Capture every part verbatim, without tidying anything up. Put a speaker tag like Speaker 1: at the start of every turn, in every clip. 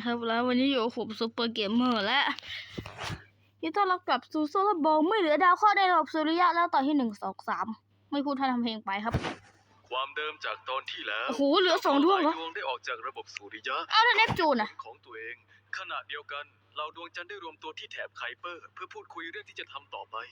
Speaker 1: ครับแล้ววันนี้อยู่กับผมซูเปอร์เกมเมอร์และยินดีต้อนรับกลับสู่โซลาร์บอลไม่เหลือดาวเคราะห์ในระบบสุริยะแล้วตอนที่หนึ่งสองสามไม่พูดท่านทำเพลงไปครับ
Speaker 2: ความเดิมจากตอนที่แล้ว
Speaker 1: โอ้โหเหลือสองดวงเหรอ
Speaker 2: ดวงได้ออกจากระบบสุริยะ
Speaker 1: อ้าวแล้วเนปจูนอะ
Speaker 2: ของตัวเองขณะเดียวกันเราดวงจันทร์ได้รวมตัวที่แถบไคเปอร์เพื่อพูดคุยเรื่องที่จะทำต่อไป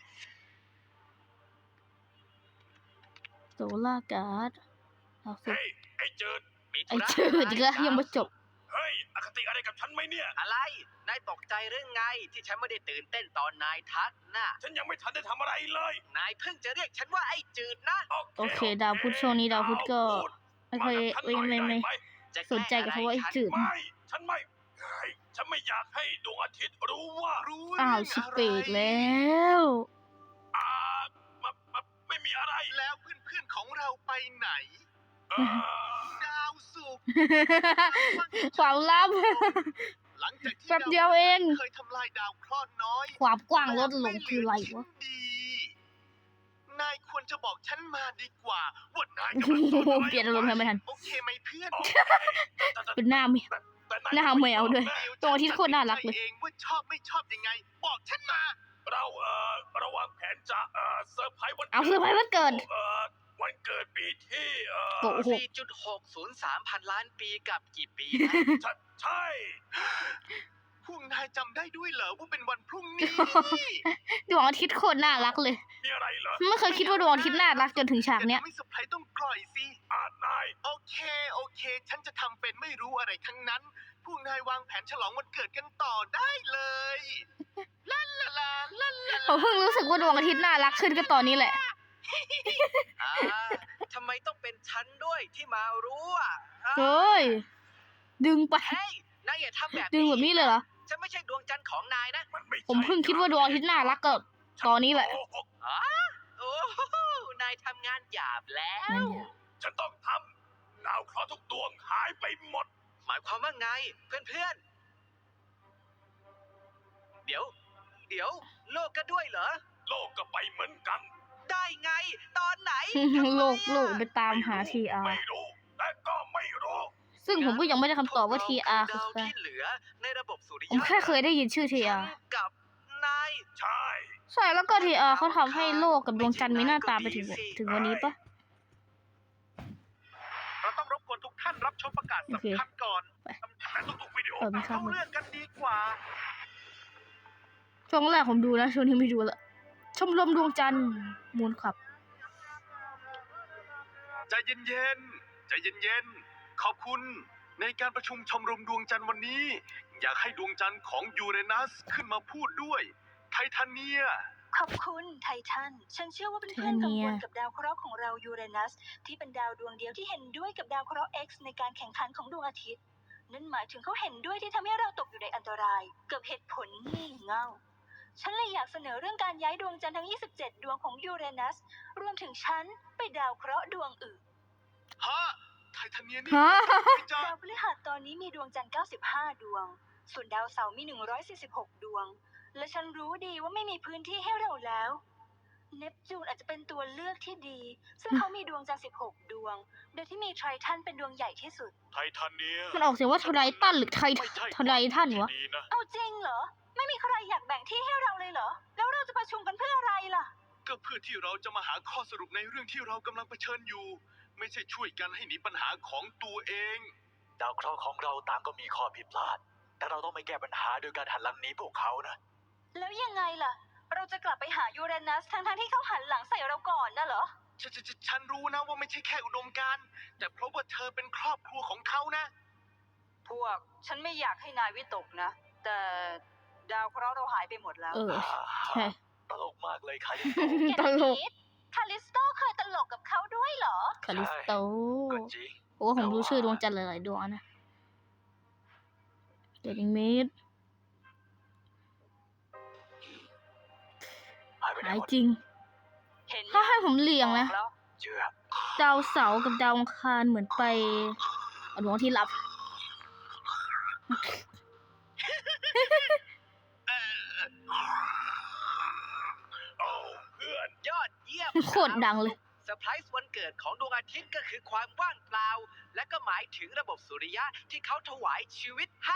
Speaker 1: โซลาร์การ์ดเอาสิ
Speaker 2: เฮ้ยไอ้เจิดมี
Speaker 1: ไอ้เจิดอีกแล้วยังไม่จบ
Speaker 2: เฮ้ยอคติอะไรกับฉันไหมเนี่ย
Speaker 3: อะไร นายตกใจหรือไงที่ฉันไม่ได้ตื่นเต้นตอนนายทักน่ะ
Speaker 2: ฉันยังไม่ทันได้ทำอะไรเลย
Speaker 3: นายเพิ่งจะเรียกฉันว่าไอ้จืดนะ
Speaker 1: โอเคดาวพุธช่วงนี้ดาวพุธก็ไม่ค่อยไม่ไม่ไม่
Speaker 3: จะ
Speaker 1: สนใจกับคำว่าไอ้จืด
Speaker 2: ไม่ฉันไม่เฮ้ยฉันไม่อยากให้ดวงอาทิตย์รู้ว่ารู้
Speaker 1: อ้าวชิเปกแล้ว
Speaker 2: อ่ามามาไม่มีอะไร
Speaker 3: แล้วเพื่อนๆของเราไปไหน
Speaker 2: เออ
Speaker 3: ดาวศุกร์
Speaker 1: ความลับ
Speaker 3: หลังจากที่
Speaker 1: แป๊บเดียวเอง
Speaker 3: เคยทำลายดาวเคราะห์น้อย
Speaker 1: ความกว้างลดลงคืออะไรวะ
Speaker 3: ดี นายควรจะบอกฉันมาดีกว่าว่านาย
Speaker 1: โอ้โหเปลี่ยนอารมณ์ทำไม่ทัน
Speaker 3: โอเคไหมเพื่อน
Speaker 1: เป็นหน้าแมว
Speaker 2: แต่
Speaker 1: หน้าแมวด้วย ตัวอาทิตย์โคตรน่ารักเลย
Speaker 3: เองว่าชอบไม่ชอบยังไง บอกฉันมา
Speaker 2: เราเอ่อระวางแผนจะเอ่อเซอร์ไพรส์วัน
Speaker 1: เอาเซอร์ไพรส์วันเกิด
Speaker 2: เอ่อวันเกิดปีที่เอ่อ
Speaker 1: โอ้โห
Speaker 3: สี่จุดหกศูนย์สามพันล้านปีกับกี่ปีนะ
Speaker 2: ใช่ใช่
Speaker 3: พวกนายจำได้ด้วยเหรอว่าเป็นวันพรุ่งนี้
Speaker 1: ดวงอาทิตย์โคตรน่ารักเลย
Speaker 2: มีอะไรเหรอ
Speaker 1: ไม่เคยคิดว่าดวงอาทิตย์น่ารักจนถึงฉากเนี้ย
Speaker 3: ไม่เซอร์ไพรส์ต้องกล่อยสิ
Speaker 2: อ่านาย
Speaker 3: โอเคโอเค ฉันจะทำเป็นไม่รู้อะไรทั้งนั้น พวกนายวางแผนฉลองวันเกิดกันต่อได้เลยลาลาลาลาลา
Speaker 1: ผมเพิ่งรู้สึกว่าดวงอาทิตย์น่ารักขึ้นก็ตอนนี้แหละ
Speaker 3: อ่าทำไมต้องเป็นฉันด้วยที่มารู้อ่ะ
Speaker 1: เฮ้ย ดึงไป
Speaker 3: เฮ้ยนายอย่าทำแบบ
Speaker 1: ดึงแบบนี้เลยเหรอ
Speaker 3: ฉันไม่ใช่ดวงจันทร์ของนายนะ
Speaker 2: มันไม่ใช่
Speaker 1: ผมเพิ่งคิดว่าดวงอาทิตย์น่ารักก็ตอนนี้แหละ
Speaker 2: โกหก
Speaker 3: อ๋อโอ้โหนายทำงานหยาบแล้ว
Speaker 1: นั่นไง
Speaker 2: ฉันต้องทำดาวเคราะห์ทุกดวงหายไปหมด
Speaker 3: หมายความว่าไงเพื่อนๆ เดี๋ยว เดี๋ยว โลกก็ด้วยเหรอ
Speaker 2: โลกก็ไปเหมือนกัน
Speaker 3: ได้ไง ตอนไหน
Speaker 1: โลกโลกไปตามหา ที อาร์
Speaker 2: ไม่รู้แต่ก็ไม่รู้
Speaker 1: ซึ่งผมก็ยังไม่ได้คำตอบว่า ที อาร์ คือ
Speaker 3: ดาว
Speaker 1: ใคร
Speaker 3: ที่เหลือในระบบสุริ
Speaker 1: ผม
Speaker 3: ยะ
Speaker 1: แค่เคยได้ยินชื่อ ที อาร์
Speaker 3: ฉันกับนาย
Speaker 2: ใช่
Speaker 1: ใช่แล้วก็ ที อาร์ เขาทำให้โลกกับดวงจันทร์มีหน้าตาไปถึงถึงวันนี้ปะ
Speaker 3: เราต้องรบกวนทุกท่านรับชมประกาศ
Speaker 1: โอเค
Speaker 3: สำคัญก่อน
Speaker 2: แต่ทุกๆวิดีโอ
Speaker 1: เออไม่เข้า
Speaker 3: เข้า
Speaker 1: มือ
Speaker 3: เรื่องกันดีกว่า
Speaker 1: ช่วงแรกผมดูนะช่วงนี้ไม่ดูละชมรมดวงจันทร์มูลขับ
Speaker 3: ใจเย็นๆ ใจเย็นๆ ขอบคุณในการประชุมชมรมดวงจันทร์วันนี้ อยากให้ดวงจันทร์ของยูเรนัสขึ้นมาพูดด้วย ไททาเนีย
Speaker 4: ขอบคุณไททัน ฉันเชื่อว่าเพื่อนๆกัง
Speaker 1: ไททาเนี
Speaker 4: วย ลกับดาวเคราะห์ของเรายูเรนัส ที่เป็นดาวดวงเดียวที่เห็นด้วยกับดาวเคราะห์ X ในการแข่งขันของดวงอาทิตย์ นั่นหมายถึงเขาเห็นด้วยที่ทำให้เราตกอยู่ในอันตราย เกือบเหตุผลงี่เง่า ฉันเลยอยากเสนอเรื่องการย้ายดวงจันทร์ทั้ง ยี่สิบเจ็ด ดวงของยูเรนัส รวมถึงฉันไปดาวเคราะห์ดวงอื่น
Speaker 3: ฮะ ไททาเนียนี่
Speaker 1: ฮะ
Speaker 3: ไม่จ้า
Speaker 4: ดาวพฤหัสตอนนี้มีดวงจันทร์ เก้าสิบห้า ดวง ส่วนดาวเสาร์มี หนึ่งร้อยสี่สิบหก ดวง และฉันรู้ดีว่าไม่มีพื้นที่ให้เราแล้ว เนปจูนอาจจะเป็นตัวเลือกที่ดี ซึ่งเขามีดวงจันทร์ สิบหก ดวง โดยที่มีไททันเป็นดวงใหญ่ที่สุด
Speaker 2: ไททาเนีย
Speaker 1: มันออกเสียงว่าไททันหรือไท
Speaker 2: ไม่ใช่
Speaker 1: ไททันวะ
Speaker 2: ที่ดีนะ
Speaker 4: เอาจริงเหรอ ไม่มีใครอยากแบ่งที่ให้เราเลยเหรอ แล้วเราจะประชุมกันเพื่ออะไรล่ะ
Speaker 3: ก็เพื่อที่เราจะมาหาข้อสรุปในเรื่องที่เรากำลังเผชิญอยู่ ไม่ใช่ช่วยกันให้หนีปัญหาของตัวเอง
Speaker 5: ดาวเคราะห์ของเราต่างก็มีข้อผิดพลาด แต่เราต้องไม่แก้ปัญหาโดยการหันหลังหนีพวกเขานะ
Speaker 4: แล้วยังไงล่ะ เราจะกลับไปหายูเรนัสทั้งๆที่เขาหันหลังใส่เราก่อนน่ะเหรอ
Speaker 3: ฉันฉันฉันฉันรู้นะว่าไม่ใช่แค่อุดมการณ์แต่เพราะว่าเธอเป็นครอบครัวของเขานะ
Speaker 4: พวกฉันไม่อยากให้นายวิตกนะ แต่ดาวเคราะห์เราหายไปหมดแล้ว
Speaker 1: เออ ใช่
Speaker 5: ตลกมากเลยค่ะ
Speaker 1: ตลก
Speaker 4: คาลิสโตเคยตลกกับเขาด้วยเหรอ
Speaker 1: คาลิสโต
Speaker 5: ก็จริง
Speaker 1: โอ้ผมรู้ชื่อดวงจันทร์หลายๆดวงนะเดนิเมด
Speaker 5: หายไปไหน
Speaker 1: หาย
Speaker 5: หมด
Speaker 1: จริง
Speaker 4: เห็น
Speaker 1: ถ้าให้ผมเรียงนะ
Speaker 4: แล้ว
Speaker 5: เชื่อ
Speaker 1: ดาวเสาร์กับดาวอังคารเหมือนไปเอาดวงที่รับ
Speaker 2: โอ้เพื่อน
Speaker 3: ยอดเยี่ยม
Speaker 1: โคตรดังเลย
Speaker 3: เซอร์ไพรส์วันเกิดของดวงอาทิตย์ก็คือความว่างเปล่า และก็หมายถึงระบบสุริยะที่เขาถวายชีวิตให้ คือ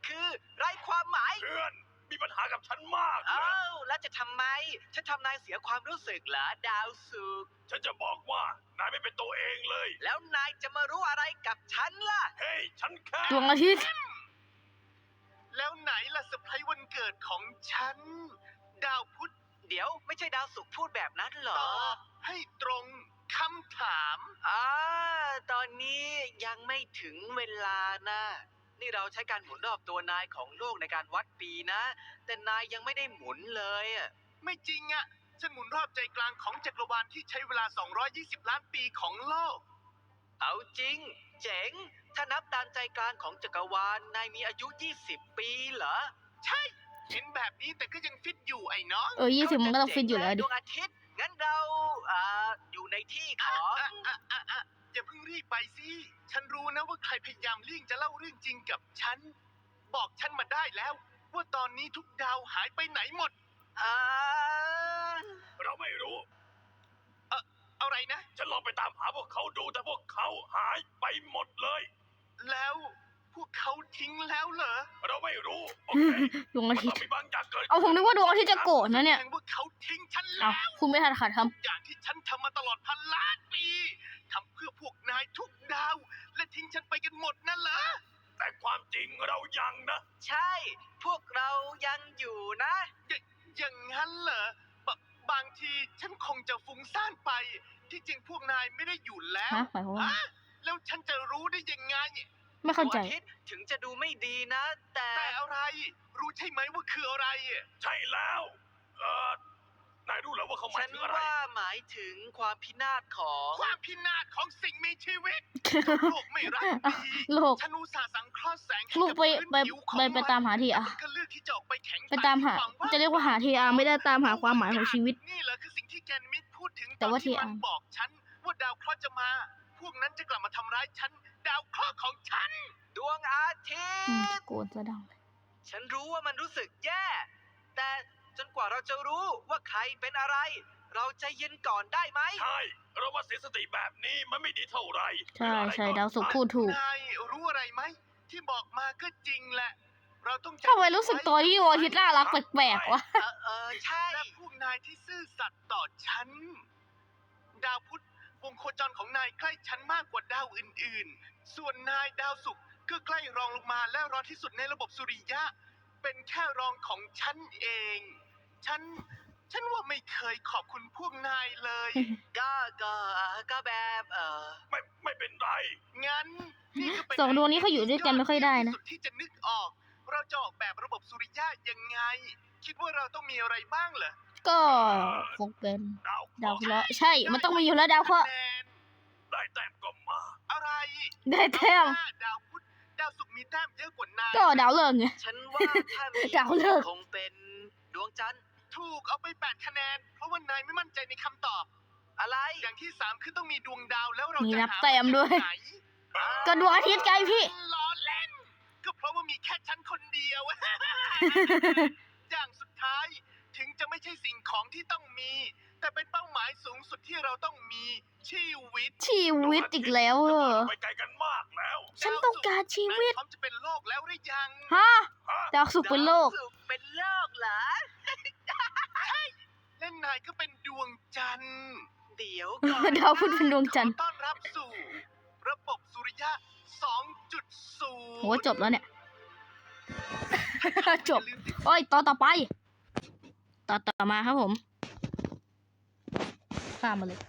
Speaker 5: คือไร้ความหมาย
Speaker 3: เพื่อนมีปัญหากับฉันมากนะ
Speaker 5: เอ้าแล้วจะทำไม ฉันทำนายเสียความรู้สึกเหรอดาวสุกร์
Speaker 3: ฉันจะบอกว่านายไม่เป็นตัวเองเลย
Speaker 5: แล้วนายจะมารู้อะไรกับฉันล่ะ
Speaker 3: เฮ้ย ฉันแค่
Speaker 1: ดวงอาทิตย์
Speaker 3: แล้วไหนล่ะเซอร์ไพรส์วันเกิดของฉัน ดาวพุธ
Speaker 5: เดี๋ยวไม่ใช่ดาวสุกร์พูดแบบนั้นเหร
Speaker 3: ต
Speaker 5: อ
Speaker 3: อบให้ตรงคำถาม
Speaker 5: อ่าตอนนี้ยังไม่ถึงเวลานะ นี่เราใช้การหมุนรอบตัวนายของโลกในการวัดปีนะ แต่นายยังไม่ได้หมุนเลยอะ
Speaker 3: ไม่จริงอะฉันหมุนรอบใจกลางของจักรวาลที่ใช้เวลา สองร้อยยี่สิบ ล้านปีของโลก
Speaker 5: เอาจริง เจ๋ง ถ้านับตามใจกลางของจักรวาล นายมีอายุ ยี่สิบ ปีเหรอ
Speaker 3: ใช่ เห็นแบบนี้แต่ก็ยังฟิตอยู่ไอ้น้อง
Speaker 1: เออยี่สิบมันก็ต้องฟิตอยู่แล้วดิ
Speaker 5: ดวงอาทิตย์ งั้นเราอ่าอยู่ในที่ของ
Speaker 3: อ่ะอ่ะอ่ะอ่ะอย่าเพิ่งรีบไปสิ ฉันรู้นะว่าใครพยายามเลี่ยงจะเล่าเรื่องจริงกับฉัน บอกฉันมาได้แล้ว ว่าตอนนี้ทุกดาวหายไปไหนหมด
Speaker 5: อ่า
Speaker 3: เราไม่รู้ เอ่ออะไรนะ ฉันลองไปตามหาพวกเขาดูแต่พวกเขาหายไปหมดเลย แล้วพวกเขาทิ้งแล้วเหรอ เราไม่รู้ โอเค
Speaker 1: ดวงอาทิตย์
Speaker 3: มันต้องมีบางอย่างเกิด
Speaker 1: เอาผมนึกว่าดวงอาทิตย์จะโกรธนะเนี่ย
Speaker 3: แสดงว่าเขาทิ้งฉัน
Speaker 1: เอา
Speaker 3: แล้ว
Speaker 1: คุณไม่ทันขาดค
Speaker 3: อย่างที่ฉันทำมาตลอดพันล้านปีทำเพื่อพวกนายทุกดาว และทิ้งฉันไปกันหมดนั่นเหรอ แต่ความจริงเรายังนะ
Speaker 5: ใช่ พวกเรายังอยู่นะ
Speaker 3: ยอย่างนั้นเหรอบางทีฉันคงจะฟุ้งซ่านไป ที่จริงพวกนายไม่ได้อยู่แล้
Speaker 1: ำ
Speaker 3: ว
Speaker 1: ฮะหมายความว่า
Speaker 3: ฮะแล้วฉันจะรู้ได้ยังไง
Speaker 1: ไม่เข้าใจ
Speaker 5: ดวงอาทิตย์ถึงจะดูไม่ดีนะ แต่
Speaker 3: แต่อะไร รู้ใช่ไหมว่าคืออะไร ใช่แล้ว เออนายรู้เหรอว่าเขาหมา
Speaker 5: ฉั
Speaker 3: ย
Speaker 5: น
Speaker 3: ถึงอะไร
Speaker 5: ว่าหมายถึงความพินาศของ
Speaker 3: ความพินาศของสิ่งมีชีวิต โลกไม่รักดี
Speaker 1: โลก
Speaker 3: ฉันอุตส่าห์สังเคราะห์แสงให้
Speaker 1: ลูก
Speaker 3: กับ
Speaker 1: ไป
Speaker 3: พื้น
Speaker 1: ไป
Speaker 3: ผิวของ
Speaker 1: ไปไปตามหาทีอา
Speaker 3: มันก็เลือกที่จะออกไปแข็ง
Speaker 1: ไปตามหา จะเรียกว่าหาทีอาไม่ได้ตามหาความหมายของชีวิต
Speaker 3: นี่เหรอคือสิ่งที่แกนมิดพูดถึง
Speaker 1: แต่ว่า
Speaker 3: อนที่
Speaker 1: ทีอา
Speaker 3: มันบอกฉันว่าดาวเคราะห์จะมา พวกนั้นจะกลับมาทำร้ายฉัน ดาวเคราะห์ของฉัน
Speaker 5: ดวงอาทิ
Speaker 1: อืม
Speaker 5: ตย์
Speaker 1: โกรธจะดังเลย
Speaker 5: ฉันรู้ว่ามันรู้สึกแย่ แต่จนกว่าเราจะรู้ว่าใครเป็นอะไร เราใจเย็นก่อนได้ไหม
Speaker 3: ใช่ เรามาเสียสติแบบนี้มันไม่ดีเท่าไหร่
Speaker 1: ใช่ใช่ดาวศุกร์พูดถูก
Speaker 3: นายรู้อะไรไหม ที่บอกมาก็จริงแหละ เราต้องจำ
Speaker 1: ทำไมรู้สึกตัวที่ดวงอาทิตย์น่ารักแปลกๆวะ
Speaker 5: เออเออใช่
Speaker 3: และพวกนายที่ซื่อสัตย์ต่อฉัน ดาวพุธวงโคจรของนายใกล้ฉันมากกว่าดาวอื่นๆ ส่วนนายดาวศุกร์ก็ใกล้รองลงมาและรองที่สุดในระบบสุริยะ เป็นแค่รองของฉันเอง ฉัน ฉันว่าไม่เคยขอบคุณพวกนายเลย
Speaker 5: ก็ก็เอ่อก็แบบเออ
Speaker 3: ไม่ไม่เป็นไร งั้นนี่ก็เป็น
Speaker 1: สองดวงนี้เขาอยู่ด้วยกันไม่ค่อยได้นะ
Speaker 3: สุดที่จะนึกออก เราจะออกแบบระบบสุริยะยังไง คิดว่าเราต้องมีอะไรบ้างเหรอ
Speaker 1: ก็คงเป็น
Speaker 3: ดาว
Speaker 1: ดาวเคราะห์ใช่ มันต้องมีอยู่แล้วดาวเคราะห์
Speaker 3: แนนได้แต้มก็มา อะไร
Speaker 1: ได้แต้ม
Speaker 3: ดาวพุธดาวศุกร์มีแต้มเยอะกว่านาย
Speaker 1: ก็ดาวเลิกษ์ไง
Speaker 5: ฉันว่าถ้ามี
Speaker 1: ดาวฤกษ์
Speaker 5: คงเป็นดวงจันทร์
Speaker 3: ถูกเอาไปแปดคะแนน เพราะว่านายไม่มั่นใจในคำตอบ
Speaker 5: อะไร
Speaker 3: อย่างที่สามคือต้องมีดวงดาวแล้วเรา
Speaker 1: มี
Speaker 3: จะ
Speaker 1: นับ
Speaker 3: หา
Speaker 1: แต้มด้วย
Speaker 3: าจากไหน
Speaker 1: ก็ดวงอาทิตย์ไงพี่
Speaker 3: ล้อเล่น ก็เพราะว่ามีแค่ฉันคนเดียว อย่างสุดท้ายถึงจะไม่ใช่สิ่งของที่ต้องมี แต่เป็นเป้าหมายสูงสุดที่เราต้องมีชีวิต
Speaker 1: ชีวิตอีกแล้วเหรอ
Speaker 3: ไปไกลกันมากแล้ว
Speaker 1: ฉันต้องการชีวิต
Speaker 3: นายพร้อมจะเป็นโลกแล้วหรือยัง
Speaker 1: ฮะ ดาวศุกร์เป็นโลก
Speaker 5: ดาวศุกร์เป็นโลกเหรอ
Speaker 3: และนายก็เป็นดวงจันทร์
Speaker 5: เดี๋ยวก่อน
Speaker 1: ดาวพุธเป็นดวงจันทร์
Speaker 3: ขอต้อนรับสู่ ระบบสุริยะ สองจุดศูนย์
Speaker 1: โหจบแล้วเนี่ย จบ โอ้ยต่อต่อไป ต่อต่อมาครับผมข้ามมาเลย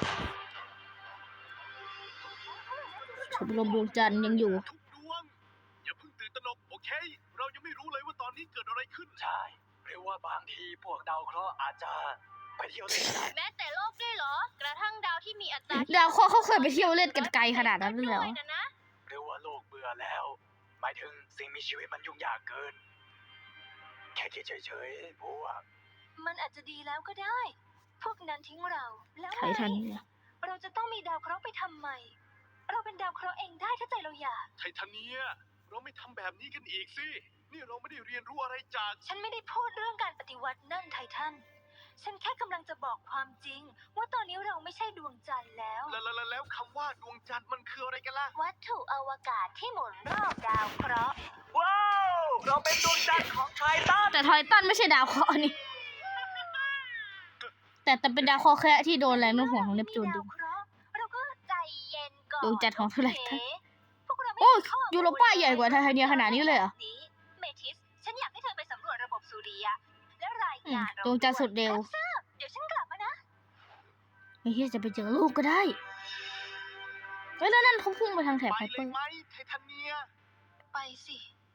Speaker 1: ชมรมดวงจันทร์ยังอยู่
Speaker 3: ทุกดวง อย่าเพิ่งตื่นตระหนกโอเค เรายังไม่รู้เลยว่าตอนนี้เกิดอะไรขึ้น
Speaker 5: ใช่ หรือว่าบางทีพวกดาวเคราะห์อาจจะไปเที่ยวเล่นก็ได้
Speaker 6: แม้แต่โลกด้วยเหรอ กระทั่งดาวที่มีอัตรา
Speaker 1: ดาวเคราะห์เขาเคยไปเที่ยวเล่นกันไกลขนาดนั้นเลยเหรอ
Speaker 6: ด้วยนะ
Speaker 5: หรือว่าโลกเบื่อแล้ว หมายถึงสิ่งมีชีวิตมันยุ่งยากเกิน แค่คิดเฉยๆพวก
Speaker 4: มันอาจจะดีแล้วก็ได้ พวกนั้นทิ้งเรา แล้ว
Speaker 1: ไททันเนี่ย
Speaker 4: เราจะต้องมีดาวเคราะห์ไปทำไม เราเป็นดาวเคราะห์เองได้ถ้าใจเราอยาก
Speaker 3: ไททาเนีย เราไม่ทำแบบนี้กันอีกสิ นี่เราไม่ได้เรียนรู้อะไรจาก
Speaker 4: ฉันไม่ได้พูดเรื่องการปฏิวัตินั่นไททัน ฉันแค่กำลังจะบอกความจริง ว่าตอนนี้เราไม่ใช่ดวงจันทร์แล้ว
Speaker 3: แล้วแล้วแล้วคำว่าดวงจันทร์มันคืออะไรกันล่ะ
Speaker 4: วัตถุอวกาศที่หมุนรอบดาวเคราะห์
Speaker 5: ว้าวกเราเป็นดวงจันทร์ของไททัน
Speaker 1: แต่ไททันไม่ใช่ดาวเคราะห์นี่ แต่แต่เป็นดาวเคราะห์แค่ที่โดนแรงโน้มถ่วงของเนปจูนดึง
Speaker 6: เราก็ใจเย็นก่อน
Speaker 1: ดวงจันทร์ของเท่าไหร่
Speaker 6: โอเคพวกเราไม่
Speaker 1: โอ้ย
Speaker 6: มีข้อมูล
Speaker 1: ยูโรป้าใหญ่กว่าไทเทเนียขนาดนี้เลยเหรอ
Speaker 4: แบบนี้เมทิส ฉันอยากให้เธอไปสำรวจระบบสุริยะ และราย
Speaker 1: อืม
Speaker 4: งานเรา
Speaker 1: ดวงจันทร์สุดเร็ว
Speaker 4: รับทราบเดี๋ยวฉันกลับมานะ
Speaker 1: ไม่ใช่จะไปเจอลูกก็ได้เฮ้ยแล้วนั่นเขาพุ่งไปทางแถบ
Speaker 3: ไป
Speaker 1: ไฮ
Speaker 3: เล
Speaker 1: เปอย ร์
Speaker 3: ไหมไททาเนีย
Speaker 4: ไปสิ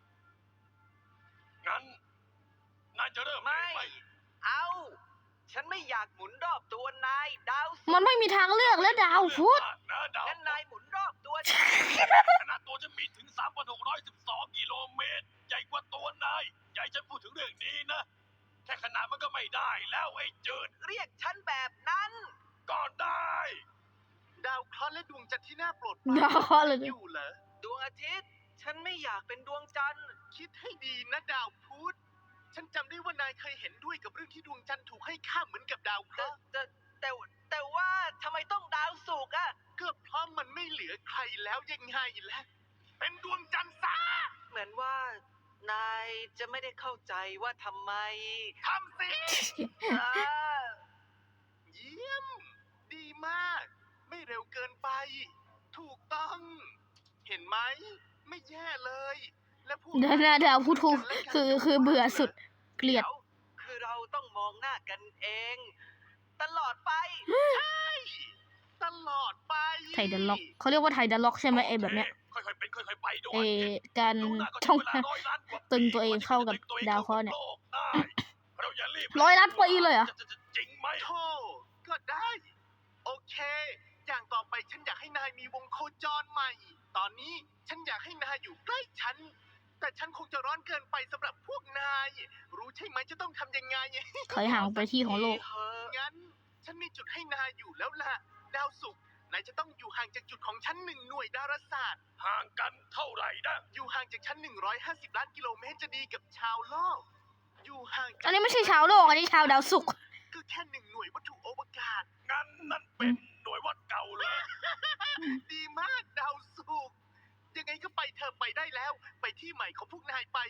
Speaker 2: งั้น นายจะเริ่ม
Speaker 5: ไม่
Speaker 2: ไหม
Speaker 5: เอา ฉันไม่อยากหมุนรอบตัวนายดาวศุกร์
Speaker 1: มันไม่มีทางเลือกแล้วดาวพุธ
Speaker 2: นะดาว
Speaker 5: งั้นนายหมุนรอบตัวฉัน
Speaker 2: ขนาดตัวจะมีถึง สามพันหกร้อยสิบสอง กิโลเมตร ใหญ่กว่าตัวนายใหญ่ฉันพูดถึงเรื่องนี้นะ แค่ขนาดมันก็ไม่ได้แล้วไอ้จืด
Speaker 5: เรียกฉันแบบนั้น
Speaker 2: ก็ได้
Speaker 3: ดาวเคราะห์และดวงจันทร์ที่น่าโปรดป
Speaker 1: ดาวเคราะห์เลย
Speaker 3: อยู่เหรอ
Speaker 5: ดวงอาทิตย์ ฉันไม่อยากเป็นดวงจันทร์
Speaker 3: คิดให้ดีนะดาวพุธ ฉันจำได้ว่านายเคยเห็นด้วยกับเรื่องที่ดวงจันทร์ถูกให้ค่าเหมือนกับดาวเค
Speaker 5: แต่
Speaker 3: ราะห์
Speaker 5: แต่แต่แต่ว่าทำไมต้องดาวศุกร์อะ
Speaker 3: ก็เพราะมันไม่เหลือใครแล้วยังไงล่ะ เป็นดวงจันทร์ซะ
Speaker 5: เหมือนว่านายจะไม่ได้เข้าใจว่าทำไม
Speaker 3: ทำสิ
Speaker 5: อ่า
Speaker 3: เยี่ยม ดีมาก ไม่เร็วเกินไป ถูกต้อง เห็นไหม ไม่แย่เลย และพวก
Speaker 1: เดินหน้าดาวพุธคือคือเบื่อสุดเกลียด
Speaker 5: ดี๋วคือเราต้องมองหน้ากันเอง ตลอดไป
Speaker 3: ใช่ ตลอดไป
Speaker 1: ไทยเดนล็อกเขาเรียกว่าไทยเดนล็อกใช่ไหมไอแบบเนี้ย
Speaker 2: ค่อยๆเป็นค่อยๆไปด้วย
Speaker 1: เอการ
Speaker 2: ดูหน้าก็
Speaker 1: ช่อง
Speaker 2: ใช้เวลาร้อยล้านกว่าปี
Speaker 1: ตึงตัวเองเข้ากับ
Speaker 2: กว่จะ
Speaker 1: ดาวเคราะห์เนี่ย
Speaker 2: โลกได้เราอย่ารีบ
Speaker 1: ร้อยล้านปีเลยเหรอ
Speaker 2: จะจะจะจริงไหม
Speaker 3: โธ่ก็ได้ โอเค อย่างต่อไปฉันอยากให้นายมีวงโคจรใหม่ ตอนนี้ฉันอยากให้นายอยู่ใกล้ฉัน แต่ฉันคงจะร้อนเกินไปสำหรับพวกนาย รู้ใช่ไหมจะต้องทำยังไง
Speaker 1: ถอยห่างไปที่ของโลก
Speaker 3: งั้น ฉันมีจุดให้นายอยู่แล้วล่ะ ดาวศุกร์นายจะต้องอยู่ห่างจากจุดของฉันหนึ่งหน่วยดาราศาสตร์
Speaker 2: ห่างกันเท่าไหร่นะ
Speaker 3: อยู่ห่างจากฉันหนึ่งร้อยห้าสิบล้านกิโลเมตรจะดีกับชาวโลก อยู่ห่างจาก
Speaker 1: อันนี้ไม่ใช่ชาวโลกอันนี้ชาวดาวศุกร์
Speaker 3: ก็แค่หนึ่งหน่วยวัตถุอวกาศ
Speaker 2: งั้นนั่นเป็นหน่วยวัดเก่าเลย
Speaker 3: ดีมากดาวศุกร์ยังไงก็ไปเธอไปได้แล้ว ไปที่ใหม่ของพวกนายไป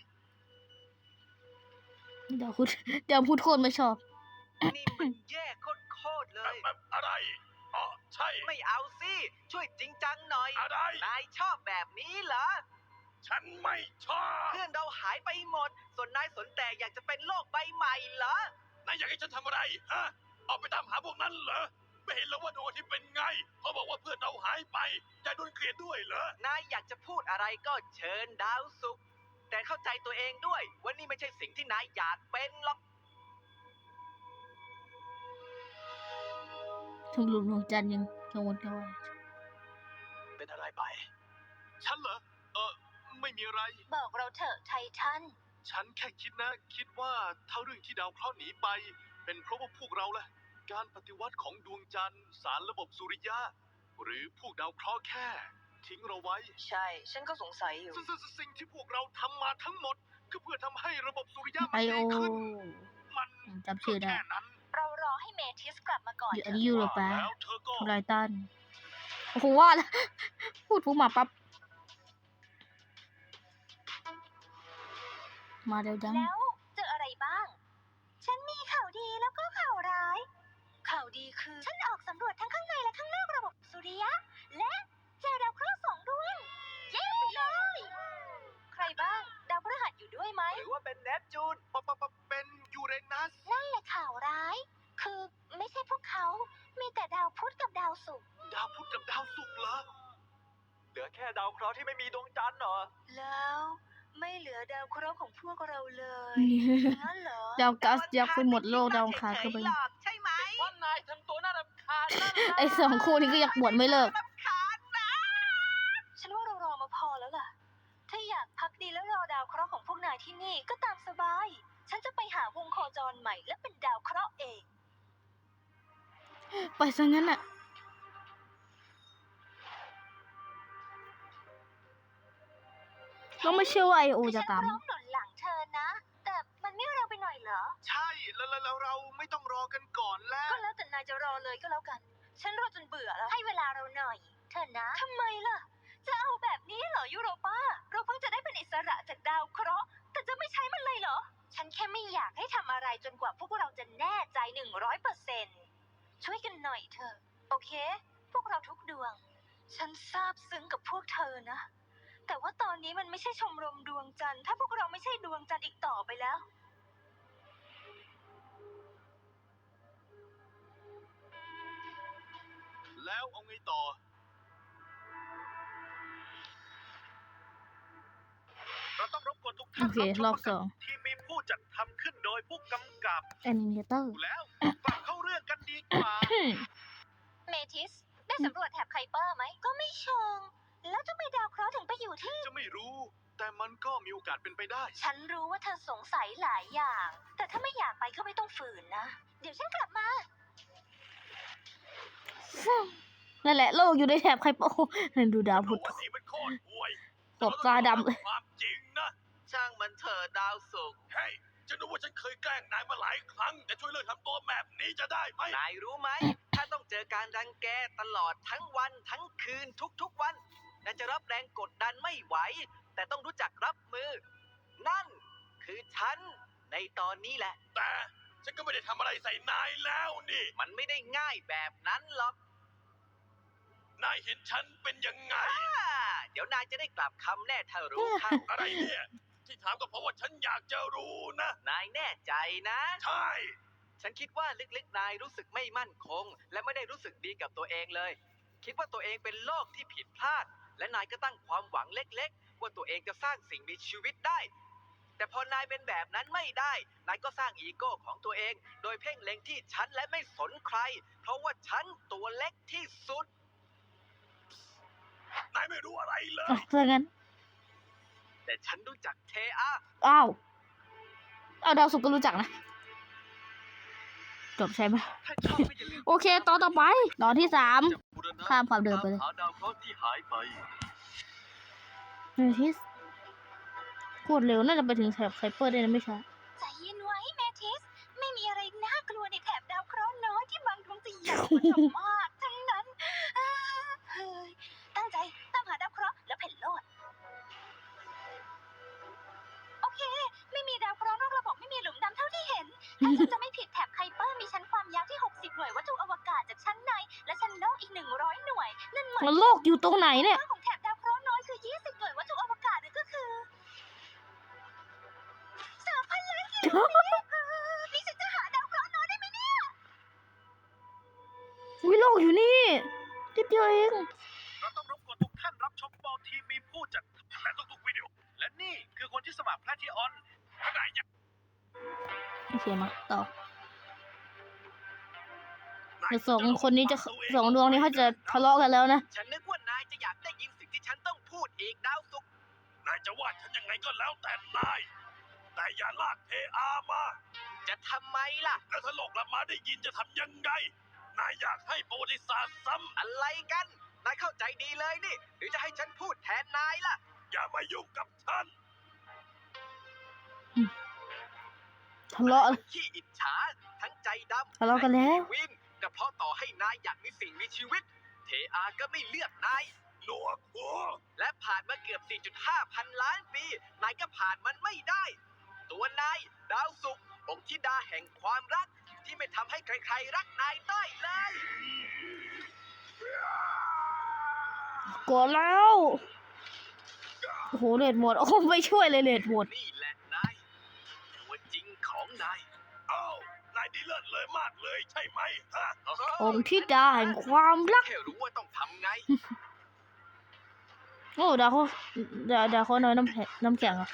Speaker 1: ดาวพุธดาวพุธโคตรไม่ชอบ
Speaker 5: นี่มันแย่โคตรๆเลย
Speaker 2: แบบอะไรอ๋อใช่
Speaker 5: ไม่เอาสิ ช่วยจริงจังหน่อย
Speaker 2: อะไร
Speaker 5: นายชอบแบบนี้เหรอ
Speaker 2: ฉันไม่ชอบ
Speaker 5: เพื่อนเราหายไปหมด ส่วนนายสนแต่อยากจะเป็นโลกใบใหม่เหรอ
Speaker 2: นายอยากให้ฉันทำอะไร ฮะ ออกไปตามหาพวกนั้นเหรอ ไม่เห็นแล้วว่าดวงอาทิตย์เป็นไง เขาบอกว่าเพื่อนเราหายไปยายโดนเกลียดด้วยเหรอ
Speaker 5: นายอยากจะพูดอะไรก็เชิญดาวศุกร์แต่เข้าใจตัวเองด้วยว่านี่ไม่ใช่สิ่งที่นายอยากเป็นหรอก
Speaker 1: ทุ่งลุงดวงจันทร์ยังกังวลกังวล
Speaker 2: เป็นอะไรไป
Speaker 3: ฉันเหรอ เออไม่มีอะไร
Speaker 4: บอกเราเถอะไททัน
Speaker 3: ฉันแค่คิดนะ คิดว่าถ้าเรื่องที่ดาวเคราะห์หนีไป เป็นเพราะว่าพวกเราแหละ การปฏิวัติของดวงจันทร์ สารระบบสุริยะ หรือพวกดาวเคราะห์แค่ ทิ้งเราไว้
Speaker 4: ใช่ ฉันก็สงสัยอยู่
Speaker 3: ซึ่งซึ่งซึ่งสิ่งที่พวกเราทำมาทั้งหมด ก็เพื่อทำให้ระบบสุริยะ
Speaker 1: ไอ
Speaker 3: มัน
Speaker 1: โอ
Speaker 3: ดีขึ้น มัน
Speaker 1: จำชื่อได้
Speaker 3: ก็แค่นั้น
Speaker 4: เรารอให้เมทิสกลับมาก่อน
Speaker 1: อยู่
Speaker 4: เถ
Speaker 1: อัน
Speaker 4: อะ
Speaker 1: นี้ยูโรปา
Speaker 3: แล้วเธอก็
Speaker 1: ทำลายตันโอ้โหว่าแล้วพูดปุ๊บมาปั๊บ มาเร็วจัง
Speaker 4: แล้วเจออะไรบ้าง ฉันมีข่าวดีแล้วก็ข่าวร้าย ข่าวดีคือ ฉันออกสำรวจทั้งข้างในและข้างนอกระบบสุริยะ และเจอดาวเคราะห์สองดวง เย้ไปเลย ใครบ้าง ดาวพฤหัสอยู่ด้วยไหม
Speaker 5: หรือว่าเป็นเนปจูน
Speaker 3: ปะปะปะเป็นยูเรนัส
Speaker 4: นั่นแหละข่าวร้าย คือไม่ใช่พวกเขา มีแต่ดาวพุธกับดาวศุกร์
Speaker 3: ดาวพุธกับดาวศุกร์เหรอ
Speaker 5: เหลือแค่ดาวเคราะห์ที่ไม่มีดวงจันทร์เหรอ
Speaker 4: แล้วไม่เหลือดาวเคราะห์ของพวกเราเลยงั้นเหรอ
Speaker 1: ดาวกัสยักษ์ไปหมดโลกดาวอังคารก็ไป
Speaker 5: หลอกใช่ไหมว่านายทำตัวน่ารำคาญนั่นแหละ
Speaker 1: ไอสองคู่นี้ก็อยากบวชไม่เลิก
Speaker 5: รำคาญนะ
Speaker 4: ฉันว่าเรารอมาพอแล้วล่ะ ถ้าอยากพักดีแล้วรอดาวเคราะห์ของพวกนายที่นี่ก็ตามสบาย ฉันจะไปหาวงโคจรใหม่และเป็นดาวเคราะห์เอง
Speaker 1: ไปซะงั้นน่ะก็ไม่เชื่อว่าไอโอจะตาม
Speaker 4: ฉันพร้อมหนุนหลังเธอนะ แต่มันไม่เร็วไปหน่อยเหรอ
Speaker 3: ใช่ แล้วแล้วแล้วเราไม่ต้องรอกันก่อนแล้ว
Speaker 4: ก็แล้วแต่นายจะรอเลยก็แล้วกัน ฉันรอจนเบื่อแล้ว ให้เวลาเราหน่อย เธอนะ ทำไมล่ะ จะเอาแบบนี้เหรอยูโรป้า เราเพิ่งจะได้เป็นอิสระจากดาวเคราะห์ แต่จะไม่ใช้มันเลยเหรอ ฉันแค่ไม่อยากให้ทำอะไรจนกว่าพวกเราจะแน่ใจหนึ่งร้อยเปอร์เซ็นต์ช่วยกันหน่อยเถอะ โอเค พวกเราทุกดวง ฉันซาบซึ้งกับพวกเธอนะ แต่ว่าตอนนี้มันไม่ใช่ชมรมดวงจันทร์ถ้าพวกเราไม่ใช่ดวงจันทร์อีกต่อไปแล้ว
Speaker 3: แล้วเอาไงต่อ เราต้องรบกวนทุก
Speaker 1: โอ
Speaker 3: ท่าน
Speaker 1: เค รอบสอง
Speaker 3: ที่มีผู้จัดทำขึ้นโดยผู้กำกับ
Speaker 1: แอนิเมเตอร์
Speaker 3: แล้วกลับเข้าเรื่องกันดีกว่า
Speaker 6: เมทิส ได้สำรวจแถบไคเปอร์ไหม
Speaker 4: ก็ไม่เชิง แล้วทำไมดาวเคราะห์ถึงไปอยู่ที่
Speaker 3: จะไม่รู้ แต่มันก็มีโอกาสเป็นไปได้
Speaker 4: ฉันรู้ว่าเธอสงสัยหลายอย่าง แต่ถ้าไม่อยากไปก็ไม่ต้องฝืนนะ เดี๋ยวฉันกลับมา
Speaker 1: นั่นแหละโลกอยู่ในแถบไคโปดูดาวพุธ
Speaker 2: วันนี้มันโคตรห่วย
Speaker 1: ตบตาดำเลย
Speaker 2: ความจริงนะ
Speaker 5: ช่างมันเถอะดาวศุกร์
Speaker 2: เฮ้ยฉันรู้ว่าฉันเคยแกล้งนายมาหลายครั้ง แต่ช่วยเลิกทำตัวแบบนี้จะได้ไหม
Speaker 5: นายรู้ไหม ถ้าต้องเจอการรังแกตลอดทั้งวันทั้งคืนทุกๆวันนายจะรับแรงกดดันไม่ไหว แต่ต้องรู้จักรับมือ นั่นคือฉันในตอนนี้แหละ
Speaker 2: แต่ฉันก็ไม่ได้ทำอะไรใส่นายแล้วนี่
Speaker 5: มันไม่ได้ง่ายแบบนั้นหรอก
Speaker 2: นายเห็นฉันเป็นยังไง
Speaker 5: อ่าเดี๋ยวนายจะได้กลับคำแน่ถ้ารู้เข้า
Speaker 2: อะไรเนี่ย ที่ถามก็เพราะว่าฉันอยากจะรู้นะ
Speaker 5: นายแน่ใจนะ
Speaker 2: ใช่
Speaker 5: ฉันคิดว่าลึกๆนายรู้สึกไม่มั่นคง และไม่ได้รู้สึกดีกับตัวเองเลย คิดว่าตัวเองเป็นโลกที่ผิดพลาด และนายก็ตั้งความหวังเล็กๆ ว่าตัวเองจะสร้างสิ่งมีชีวิตได้ แต่พอนายเป็นแบบนั้นไม่ได้ นายก็สร้างอีโก้ของตัวเอง โดยเพ่งเล็งที่ฉันและไม่สนใคร เพราะว่าฉันตัวเล็กที่สุด
Speaker 2: นายไม่รู้อะไรเล
Speaker 1: อ่ะ
Speaker 2: ย
Speaker 1: ถ้างั้น
Speaker 5: แต่ฉันรู้จักเทอา
Speaker 1: อ้าวเอาดาวสุกร์ก็รู้จักนะ จบใช่ไหม
Speaker 3: ถ้าชอบก็อย่าลืม
Speaker 1: โอเคตอนต่อไป ตอนที่สาม
Speaker 3: จะบูรณะ
Speaker 1: ข้ามความเดิมไปเลย
Speaker 3: ตามหาดาวเคราะห์ที่หายไป
Speaker 1: เมทิสโคตรเร็วน่าจะไปถึงแถบไคเปอร์ได้นะไม่ช้า
Speaker 4: ใจเย็นไว้แมทิส ไม่มีอะไรน่ากลัวในแถบดาวเคราะห์น้อยที่บางดวงจะใหญ่กว่าเธอมากทั้งนั้นอ่าเฮ้ยตั้งใจตามหาดาวเคราะห์แล้วเพ่นโลด โอเค ไม่มีดาวเคราะห์นอกระบบไม่มีหลุมดำเท่าที่เห็น ถ้าฉันจะไม่ผิดแถบไคเปอร์มีชั้นความยาวที่ หกสิบ หน่วยวัตถุอวกาศจากชั้นใน และชั้นนอกอีก หนึ่งร้อย หน่วย นั่นหมาย
Speaker 1: แล้วโลกอยู่ตรงไหนเนี่ย
Speaker 4: ของแถบดาวเคราะห์น้อยคือ ยี่สิบ หน่วยวัตถุอวกาศนั่นก็คือสามพันล้านกิโลเมตรเออนี่ฉันจะหาดาวเคราะห์น้อยได้ไหมเนี่ย
Speaker 1: วิโลกอยู่นี่นิดเดียวเอง
Speaker 3: เราต้องรบกวนทุกท่านรับชมบอลทีมีผู้จัดและทุกๆวิดีโอ และนี่คือคนที่สมัครแพลทิออนขณะยัง
Speaker 1: โอเคมาต่อเดี๋ยวสองคนนี้จะสองดวงนี้เขาจะทะเลาะกันแล้วนะ
Speaker 5: ฉันนึกว่านายจะอยากได้ยินสิ่งที่ฉันต้องพูดอีกดาวศุกร์
Speaker 2: นายจะว่าฉันยังไงก็แล้วแต่นาย แต่อย่าลากเทอามา
Speaker 5: จะทำไมล่ะ
Speaker 2: แล้วถ้าโลกกลับมาได้ยินจะทำยังไง นายอยากให้ประวัติศาสตร์ซ้
Speaker 5: อะไรกัน นายเข้าใจดีเลยนี่ หรือจะให้ฉันพูดแทนนายล่ะ
Speaker 2: ำอย่ามายุ่งกับฉัน
Speaker 1: ทะเลาะ
Speaker 5: ขี้อิจฉา ทั้งใจดำ
Speaker 1: ทะเลาะกันแล้ว
Speaker 5: วินก็เพราะต่อให้นายอยากมีสิ่งมีชีวิต เทอาก็ไม่เลือกนาย
Speaker 2: หนวกหัว
Speaker 5: และผ่านมาเกือบ สี่จุดห้า พันล้านปี นายก็ผ่านมันไม่ได้ ตัวนาย ดาวศุกร์องค์ธิดาแห่งความรัก ที่ไม่ทำให้ใครๆรักนายได้เลย
Speaker 1: กดแล้ว โอ้โหเลดหมด โอ้ไม่ช่วยเลยเลดหมด
Speaker 5: นี่แหละนาย ตัวจริงของนาย
Speaker 2: เอ้านายดีเลิศเลยมากเลยใช่ไหมฮะ
Speaker 1: องค์ธิดาแห่งความรัก
Speaker 5: แค่รู้ว่าต้องทำไง
Speaker 1: โอ้ดาวเขาดาวดาวเขาน้อยน้ำแข็งน้ำแข็งอ่ะ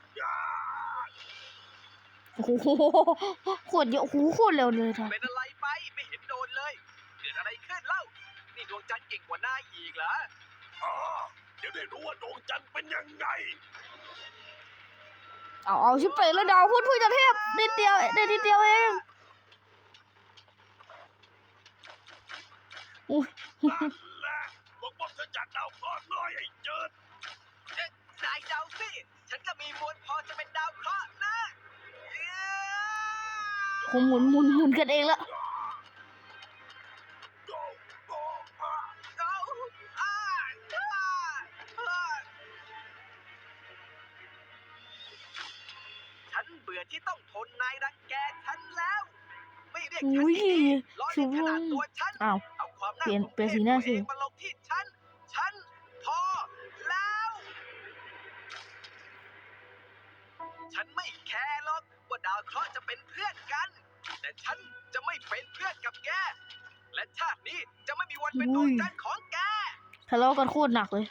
Speaker 1: โอ้โหโคตรเยอะโอ้โหโคตรเร็วเลยท่าน
Speaker 5: เป็นอะไรไป ไม่เห็นโดนเลย เกิดอะไรขึ้นเล่า นี่ดวงจันทร์เก่งกว่านายอีกเหรอ
Speaker 2: อ๋อเดี๋ยวได้รู้ว่าดวงจันทร์เป็นยังไง
Speaker 1: เอาเอาชิบเป๋แล้วดาวพูดพูดจะเทพนิดเดียวได้นิดเดียวเองอุ้ย
Speaker 2: นั่นแหละบอกว่าฉันจากดาวเคราะห์น้อยไอ้เจิด
Speaker 5: เอ๊ะนายเดาสิ ฉันก็มีมวลพอจะเป็นดาวเคราะห์นะเอ้ย
Speaker 1: คงหมุนหมุนหมุนกันเองละ
Speaker 2: โกโก้อ่ะ
Speaker 5: เอาอ้าอ้าอ้าบื่อที่ต้องทนนายรังแกฉันแล้ว ไม่เรียก
Speaker 1: อุ้
Speaker 5: ฉัน
Speaker 1: ย
Speaker 5: ที่นี่ล้อเลียนขนาดตัวฉัน
Speaker 1: อ้าว
Speaker 5: เอาความน่า
Speaker 1: เปลี่ยน
Speaker 5: สม
Speaker 1: เปลี่ยน
Speaker 5: เพ
Speaker 1: สี
Speaker 5: ช
Speaker 1: หน้า
Speaker 5: ตัว
Speaker 1: สิ
Speaker 5: เองมาลงที่ฉัน ฉันพอแล้ว ฉันไม่แคร์หรอกว่าดาวเคราะห์จะเป็นเพื่อนกัน แต่ฉันจะไม่เป็นเพื่อนกับแก และชาตินี้จะไม่มีวันเป็นดวงจันทร์ของแก
Speaker 1: ทะเลาะกันโคตรหนักเลย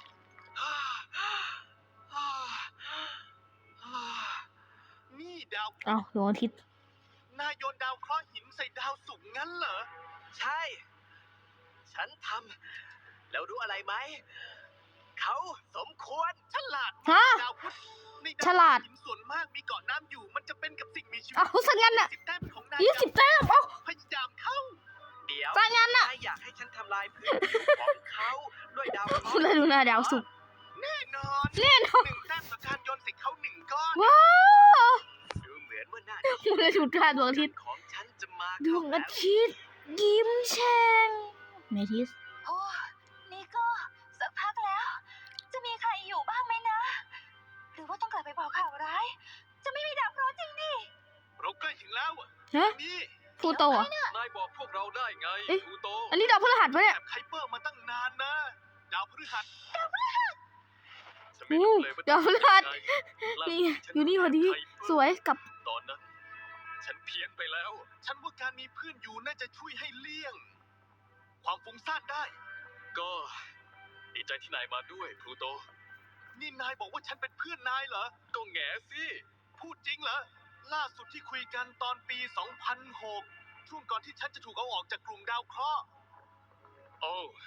Speaker 3: นี่ดาวพุธ
Speaker 1: อ้าวดวงอาทิตย์
Speaker 3: นายโยนดาวเคราะห์หินใส่ดาวศุกร์งั้นเหรอ
Speaker 5: ใช่
Speaker 3: ฉันทำแล้วรู้อะไรไหม เขาสมควรฉลาด
Speaker 1: ฮะ
Speaker 3: ดาวพุธในดาว
Speaker 1: ฉลาด
Speaker 3: หินส่วนมากมีเกาะน้ำอยู่ มันจะเป็นกับสิ่งมีชีวิต
Speaker 1: อ้าวสังงั้นน่ะ
Speaker 3: สิบแต้มของนาย
Speaker 1: ยี่สิบแต้มเอ้า
Speaker 3: พยายามเข้า
Speaker 5: เดี๋ยว
Speaker 1: สังงั้นน่ะ
Speaker 5: นายอยากให้ฉันทำลายพื้นผิวของเขาด้วยดาวเคราะห์
Speaker 1: แล้วดูหน้าดาวศุกร์
Speaker 3: แน่นอน
Speaker 1: แน่นอน
Speaker 3: หนึ่งแต้มต่อการโยนใส่เขาหนึ่งก้อน
Speaker 1: ว้าว
Speaker 5: ดูเหมือนว่าหน้า
Speaker 1: มันเลยถูกท่าดวงอาทิตย์
Speaker 5: ของฉันจะมา
Speaker 1: ดวงอาทิตย์ยิ้มแฉ่งเมทิส
Speaker 4: โอ้นี่ก็สักพักแล้ว จะมีใครอยู่บ้างไหมนะ หรือว่าต้องกลับไปบอกข่าวร้าย จะไม่มีดาวเคราะห์จริงดิ
Speaker 3: เราใกล้ถึงแล้วอะ
Speaker 1: ฮะ
Speaker 3: นี่
Speaker 1: พลูโตเหรอ่ะ
Speaker 5: นายบอกพวกเราได้ไง
Speaker 1: เอ๊ะ
Speaker 5: พลูโต
Speaker 1: อันนี้ดาวพฤหัสปะเนี่ย
Speaker 3: แอบไคเปอร์มาตั้งนานนะ ดาวพฤหัส
Speaker 5: ฉันไม่รู้เลยว่า
Speaker 1: ดาวพฤหัส
Speaker 5: ล่า
Speaker 1: นี่
Speaker 5: สุดฉั
Speaker 1: อยู่นี่พอดี
Speaker 5: ใครเปิ
Speaker 1: สวยกับ
Speaker 5: ตอนนั้น ฉันเพี้ยนไปแล้ว
Speaker 3: ฉันว่าการมีเพื่อนอยู่น่าจะช่วยให้เลี่ยง ความฟุ้งซ่านได้
Speaker 5: ก็ดีใจที่นายมาด้วยพลูโต
Speaker 3: นี่นายบอกว่าฉันเป็นเพื่อนนายเหรอ
Speaker 5: ก็แง่สิ
Speaker 3: พูดจริงเหรอ ล่าสุดที่คุยกันตอนปี สองพันหก ช่วงก่อนที่ฉันจะถูกเอาออกจากกลุ่มดาวเคราะห์
Speaker 5: โอ้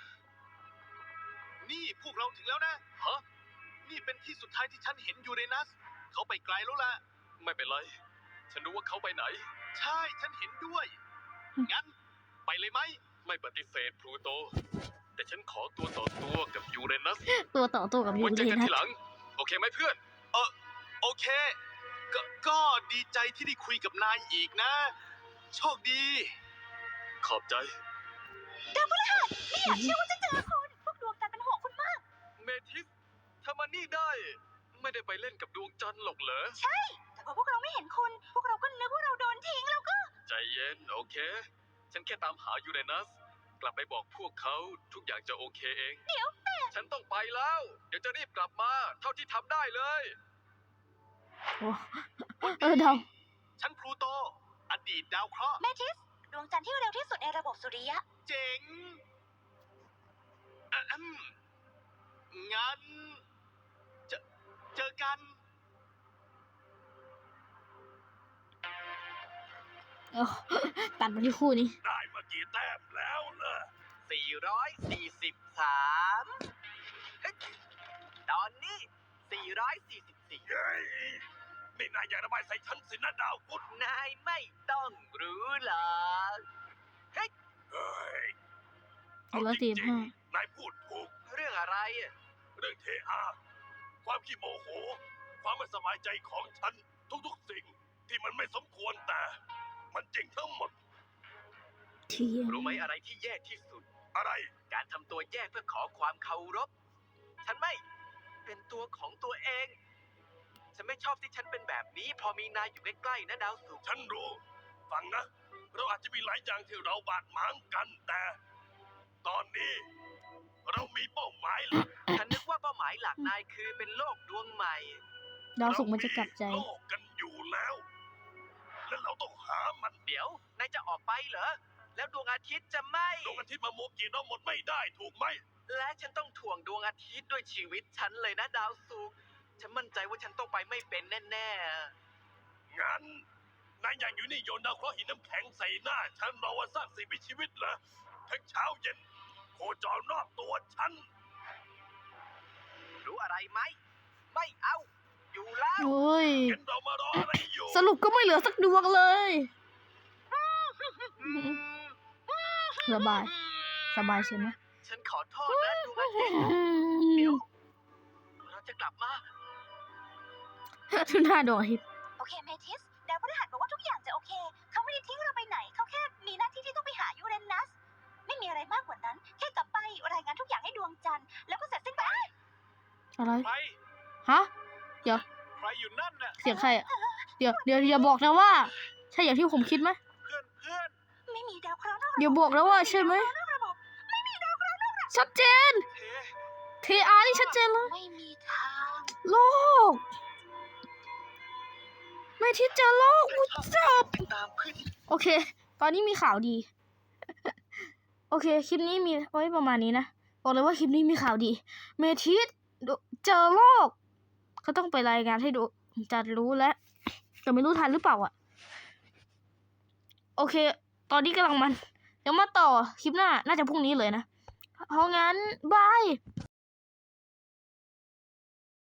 Speaker 3: นี่พวกเราถึงแล้วนะ
Speaker 5: ฮะ
Speaker 3: นี่เป็นที่สุดท้ายที่ฉันเห็นยูเรนัส เขาไปไกลแล้วล่ะ
Speaker 5: ไม่เป็นไร ฉันรู้ว่าเขาไปไหน
Speaker 3: ใช่ ฉันเห็นด้วย งั้น ไปเลยไหม
Speaker 5: ไม่ปฏิเสธพลูโต แต่ฉันขอตัวต่อตัวกับยูเรนัส
Speaker 1: ตัวต่อตัวกับยู
Speaker 5: ไว้
Speaker 1: เร
Speaker 5: เจอกัน
Speaker 1: นั
Speaker 5: ที
Speaker 1: ส
Speaker 5: หลัง โอเคไหมเพื่อน
Speaker 3: โอเค ก็ก็ดีใจที่ได้คุยกับนายอีกนะ โชคดี
Speaker 5: ขอบใจ
Speaker 4: ไม่อยากเชื่อว่าจะเจอคุณ พวกดวงจันทร์เป็นห่วงคุณมาก
Speaker 5: เมทิสทำมันนี่ได้ ไม่ได้ไปเล่นกับดวงจันทร์หรอกเหรอ
Speaker 4: แต่พอพวกเราไม่เห็นคุณ พวกเราก็นึกว่าเราโดนทิ้งแล้วก็
Speaker 5: ใจเย็น โอเค ฉันแค่ตามหายูเรนัส กลับไปบอกพวกเขาทุกอย่างจะโอเคเอง
Speaker 4: เดี๋ยวแต่
Speaker 5: ฉันต้องไปแล้ว เดี๋ยวจะรีบกลับมา เท่าที่ทำได้เลย
Speaker 1: โอ้เออดาว
Speaker 3: ฉันพลูโต อดีตดาวเคราะห์
Speaker 4: เมทิส ดวงจันทร์ที่เร็วที่สุดในระบบสุริยะ
Speaker 3: เจ๋งอะอืมงั้นเจอเจอกัน
Speaker 1: เอ้าตัดมาที่คู่นี้
Speaker 2: ได้มากี่แต้มแล้วล่ะ
Speaker 5: สี่ร้อยสี่สิบสาม เฮ้ย ตอนนี้ สี่ร้อยสี่สิบสี่
Speaker 2: เย้ยนี่นายอยากระบายใส่ฉันสินะดาวพุธ
Speaker 5: นายไม่ต้องรู้หรอก เฮ้ย
Speaker 2: เฮ้ย
Speaker 1: สี่ร้อยสี่สิบห้า
Speaker 2: นายพูดถูก
Speaker 5: เรื่องอะไรอะ
Speaker 2: เรื่องเทอา ความขี้โมโห ความไม่สบายใจของฉัน ทุกๆสิ่งที่มันไม่สมควรแต่ มันจริงทั้งหมด
Speaker 1: เทียน
Speaker 5: รู้ไหมอะไรที่แย่ที่สุด
Speaker 2: อะไร
Speaker 5: การทำตัวแย่เพื่อขอความเคารพ ฉันไม่เป็นตัวของตัวเอง ฉันไม่ชอบที่ฉันเป็นแบบนี้ พอมีนายอยู่ใกล้ๆนะดาวสุกร์
Speaker 2: ฉันรู้ ฟังนะ เราอาจจะมีหลายอย่างที่เราบาดหมางกันแต่ ตอนนี้ เรามีเป้าหมายหลัก
Speaker 5: ฉันนึกว่าเป้าหมายหลักนายคือเป็นโลกดวงใหม่
Speaker 1: ดาวศุกร์มันจะกลับใจ
Speaker 2: เรามีโลกกันอยู่แล้ว และเราต้องหามัน
Speaker 5: เดี๋ยว นายจะออกไปเหรอ แล้วดวงอาทิตย์จะไม่
Speaker 2: ดวงอาทิตย์มาโมกีเราหมดไม่ได้ถูกไหม
Speaker 5: และฉันต้องถ่วงดวงอาทิตย์ด้วยชีวิตฉันเลยนะดาวสุกร์ฉันมั่นใจว่าฉันต้องไปไม่เป็นแน่
Speaker 2: งั้นนายอยากอยู่นี่โยนดาวเคราะห์หินน้ำแข็งใส่หน้า ฉันรอว่าสร้างสิ่งมีชีวิตเหรอทั้งเช้าเย็น โคจรรอบตัวฉัน
Speaker 5: ๆ รู้อะไรไหม ไม่เอา อยู่แล้ว
Speaker 1: โอ้ย
Speaker 2: งั้นเรามารออะไรอยู่
Speaker 1: สรุปก็ไม่เหลือสักดวงเลยสบาย สบายใช่ไหม
Speaker 5: ฉันขอโทษนะดวงอาทิตย์เดี๋ยว เราจะกลับมา
Speaker 1: ทุนหน้าดวงอาทิตย์
Speaker 4: โอเคเมทิส ดาวพฤหัสบอกว่าทุกอย่างจะโอเค เขาไม่ได้ทิ้งเราไปไหน เขาแค่มีหน้าที่ที่ต้องไปหายูเรนัส ไม่มีอะไรมากกว่านั้น แค่กลับไปรายงานทุกอย่างให้ดวงจันทร์ แล้วก็เสร็จสิ้นไป
Speaker 1: อะไร
Speaker 3: ใคร
Speaker 1: ฮะ เดี๋ยว
Speaker 3: ใครอยู่นั่นน่ะ
Speaker 1: เสียงใครอ่ะเดี๋ยวเดี๋ยวอย่าบอกนะว่า ใช่อย่างที่ผมคิดไหม
Speaker 3: เพื่อนเพื่อน
Speaker 4: ไม่มีดาวเคราะห์นอกระบบ
Speaker 1: อย่าบอกนะว่าใช่ไหม
Speaker 4: นอกระบบไม่มีดาวเคราะห์นอกระบบ
Speaker 1: ชัดเจน
Speaker 3: เท
Speaker 1: เทอาร์นี่ชัดเจนเลย
Speaker 4: ไม่มีทาง
Speaker 1: โลกไม่ที่เจอโลกกูจับ
Speaker 3: ติดตามเพื่อนที่
Speaker 1: โอเค ตอนนี้มีข่าวดี โอเค คลิปนี้มีไว้ประมาณนี้นะ บอกเลยว่าคลิปนี้มีข่าวดี เมทิสเจอโลก เขาต้องไปรายงานให้ดูจะรู้แล้วแต่ไม่รู้ทันหรือเปล่าอ่ะ โอเค ตอนนี้กำลังมัน เดี๋ยวมาต่อคลิปหน้า น่าจะพรุ่งนี้เลยนะ เพราะงั้น บาย